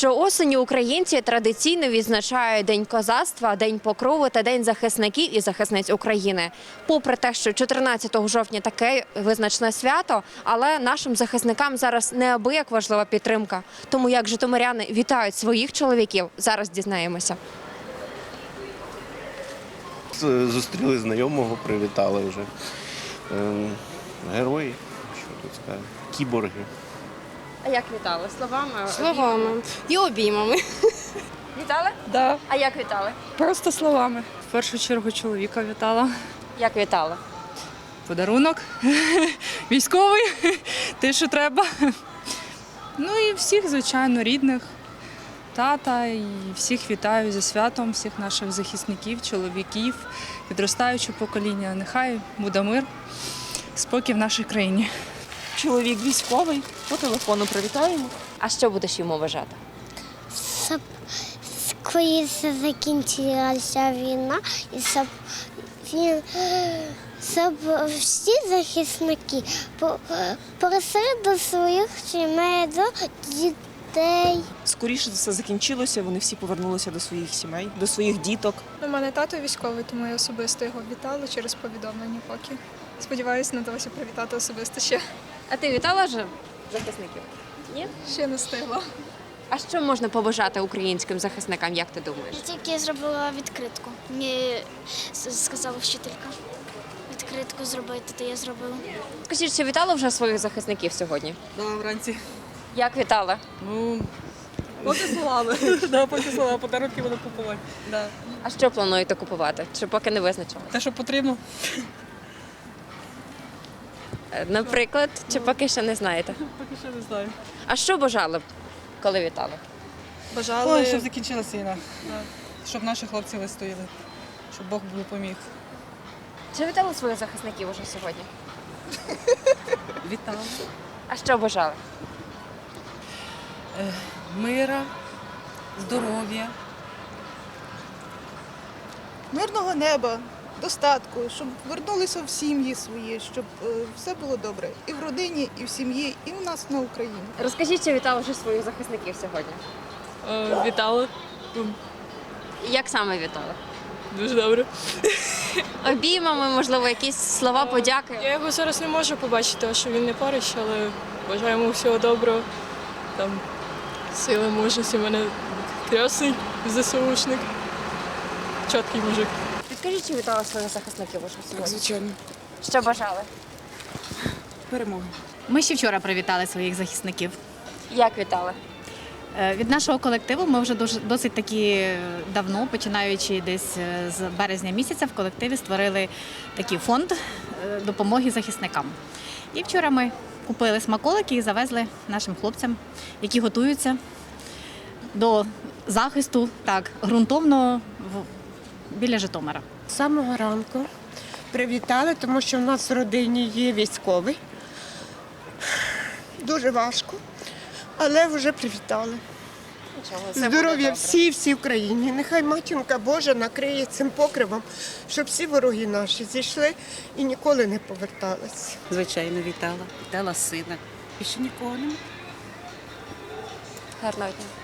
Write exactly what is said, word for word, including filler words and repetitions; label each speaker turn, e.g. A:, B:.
A: Щоосені українці традиційно відзначають День козацтва, День покрови та День захисників і захисниць України. Попри те, що чотирнадцятого жовтня таке визначне свято, але нашим захисникам зараз неабияк важлива підтримка. Тому як житомиряни вітають своїх чоловіків, зараз дізнаємося.
B: Зустріли знайомого, привітали вже. Герої, що тут сказати, кіборги.
A: А як вітали? Словами?
C: Словами і обіймами.
A: Вітали?
C: Да.
A: А як вітали?
C: Просто словами. В першу чергу чоловіка вітала.
A: Як вітали?
C: Подарунок військовий, те, що треба. Ну і всіх, звичайно, рідних, тата, і всіх вітаю зі святом, всіх наших захисників, чоловіків, підростаючого покоління. Нехай буде мир, спокій в нашій країні.
D: Чоловік військовий, по телефону привітаємо.
A: А що будеш йому бажати?
E: Щоб скоріше закінчилася війна і щоб він, щоб всі захисники просили до своїх сімей, до дітей.
D: Скоріше все закінчилося, вони всі повернулися до своїх сімей, до своїх діток.
F: У мене тато військовий, тому я особисто його вітала через повідомлення поки. Сподіваюся, надалося привітати особисто ще.
A: А ти вітала вже захисників? Ні?
F: Ще не встигла.
A: А що можна побажати українським захисникам, як ти думаєш?
E: Я тільки зробила відкритку. Мені сказала вчителька. Відкритку зробити, то я зробила.
A: Скажіть, чи вітали вже своїх захисників сьогодні?
C: Да, вранці.
A: Як вітали?
C: Ну, поки словами. Да, поки словами, подарунки буду купувати. Да.
A: А що плануєте купувати? Чи поки не визначили?
C: Те, що потрібно.
A: Е, Наприклад, чи поки ще не знаєте?
C: Поки що не знаю.
A: А що бажали б, коли вітали?
F: Бажали,
C: Ой, щоб закінчилася війна. Щоб наші хлопці вистояли. Щоб Бог допоміг.
A: Чи вітали своїх захисників уже сьогодні?
C: Вітаю.
A: А що бажали?
C: Мира, здоров'я.
G: Мирного неба, достатку, щоб вернулися в сім'ї свої, щоб е, все було добре і в родині, і в сім'ї, і в нас на Україні.
A: Розкажіть, чи вітали вже своїх захисників сьогодні?
C: Е, вітали.
A: Як саме вітали?
C: Дуже добре.
A: Обіймами, можливо, якісь слова подяки?
H: Я його зараз не можу побачити, тому що він не поруч, але бажаю йому всього доброго. Там сили, мужності. У мене красний ЗСУшник. Чіткий мужик.
A: Підкажіть, чи вітали своїх захисників уже сьогодні?
C: Звичайно.
A: Що бажали?
C: Перемоги.
I: Ми ще вчора привітали своїх захисників.
A: Як вітали?
I: Е, Від нашого колективу ми вже дуже досить таки давно, починаючи десь е, з березня місяця, в колективі створили такий фонд е, допомоги захисникам. І вчора ми купили смаколики і завезли нашим хлопцям, які готуються до захисту так ґрунтовно в- біля Житомира.
J: З самого ранку привітали, тому що в нас в родині є військовий. Дуже важко, але вже привітали. Здоров'я всій, всій Україні. Нехай матінка Божа накриє цим покривом, щоб всі вороги наші зійшли і ніколи не повертались.
C: Звичайно, вітала. Вітала сина. Більше нікого немає.
A: Гарного дня.